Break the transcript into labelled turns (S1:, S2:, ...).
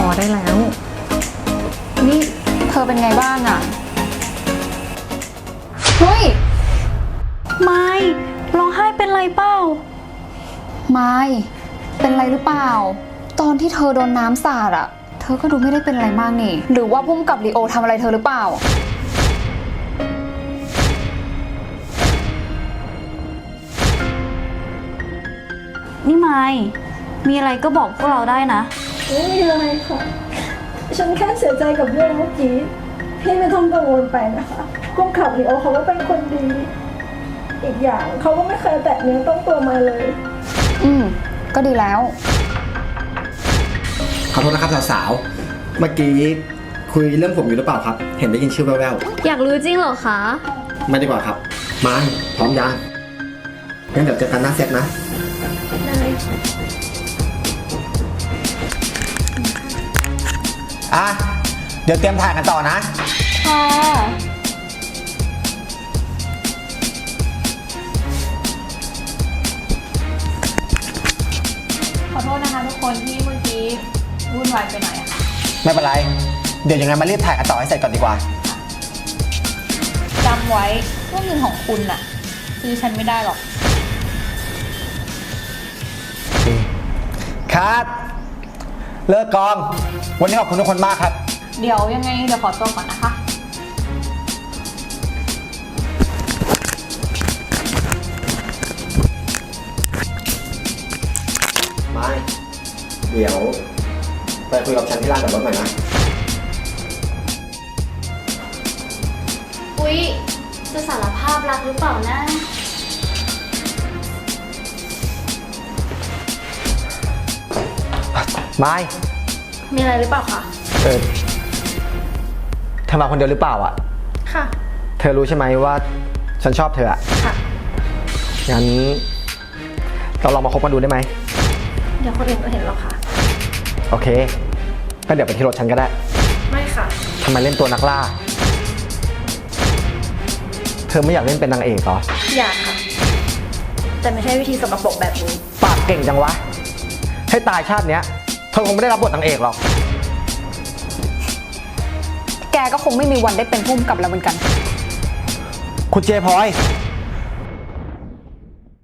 S1: อได้แล้ว
S2: นี่เธอเป็นไงบ้างอะเฮ้ยไม่ร้องไห้เป็นไรเปล่าไม่เป็นไรหรือเปล่าตอนที่เธอโดนน้ำสาดอะเธอก็ดูไม่ได้เป็นอะไรมากนี่หรือว่าพุ่มกับลีโอทำอะไรเธอหรือเปล่า
S3: นี่ไมค์มีอะไรก็บอกพวกเราได้นะ
S4: ไม่มีอะไรค่ะ ฉันแค่เสียใจกับเรื่องเมื่อกี้ พี่ไม่ต้องกังวลไปนะคะผู้กำกับลีโอเขาก็เป็นคนดี อีกอย่างเขาก็ไม่เคยแตะเนื้อต้องตัวมาเลย
S2: ก็ดีแล้ว
S5: ขอโทษนะครับสาวๆ เมื่อกี้คุยเรื่องผมอยู่หรือเปล่าครับ เห็นได้ยินชื่อแว่ว
S3: อยากรู้จริงเหรอคะ
S5: ๆไม่ดีกว่าครับมาพร้อมยังงั้นเดี๋ยวเจอกันหน้าเซตนะอ่ะเดี๋ยวเตรียมถ่ายกันต่อนะ
S3: ค่ะ
S1: ขอโทษนะคะทุกคนที่เมื่อกี้วุ่นวายไปหน่อยอะค่ะ
S5: ไม่เป็นไร เดี๋ยวยังไงมารีบถ่ายกันต่อให้เสร็จก่อนดีกว่า
S1: จำไว้ว่าเงินของคุณน่ะซื้อฉันไม่ได้หรอก
S5: ครับเลิกกอง วันนี้ขอบคุณทุกคนมากครับ
S1: เดี๋ยวยังไงเดี๋ยวขอตัวก่อนนะคะ
S5: ไม่เดี๋ยวไปคุยกับฉันที่ร้านจอดรถหน่อยนะ
S3: อุ๊ย จะสารภาพรักหรือเปล่านะ
S5: ไม่
S3: มีอะไรหรือเปล่าคะ
S5: เธอมาคนเดียวหรือเปล่าอ่ะ
S3: ค่ะ
S5: เธอรู้ใช่ไหมว่าฉันชอบเธออ่ะ
S3: ค่ะ
S5: งั้นเราลองมาคบกันดูได้ไหม
S3: เดี๋ยวคนอื่นก็เห็นหรอกค่ะ
S5: โอเคก็เดี๋ยวไปที่รถฉันก็ได้
S3: ไม่ค่ะ
S5: ทำไมเล่นตัวนักล่า เธอไม่อยากเล่นเป็นนางเอกเหรอ
S3: อยากค่ะ แต่ไม่ใช่วิธีสกปรกแบบนี้
S5: ปากเก่งจังวะ ให้ตายชาติเนี้ยเธอคงไม่ได้รับบทนางเอกหรอก
S2: แกก็คงไม่มีวันได้เป็นพุ่มกับเราเหมือนกัน
S5: คุณเจพลอย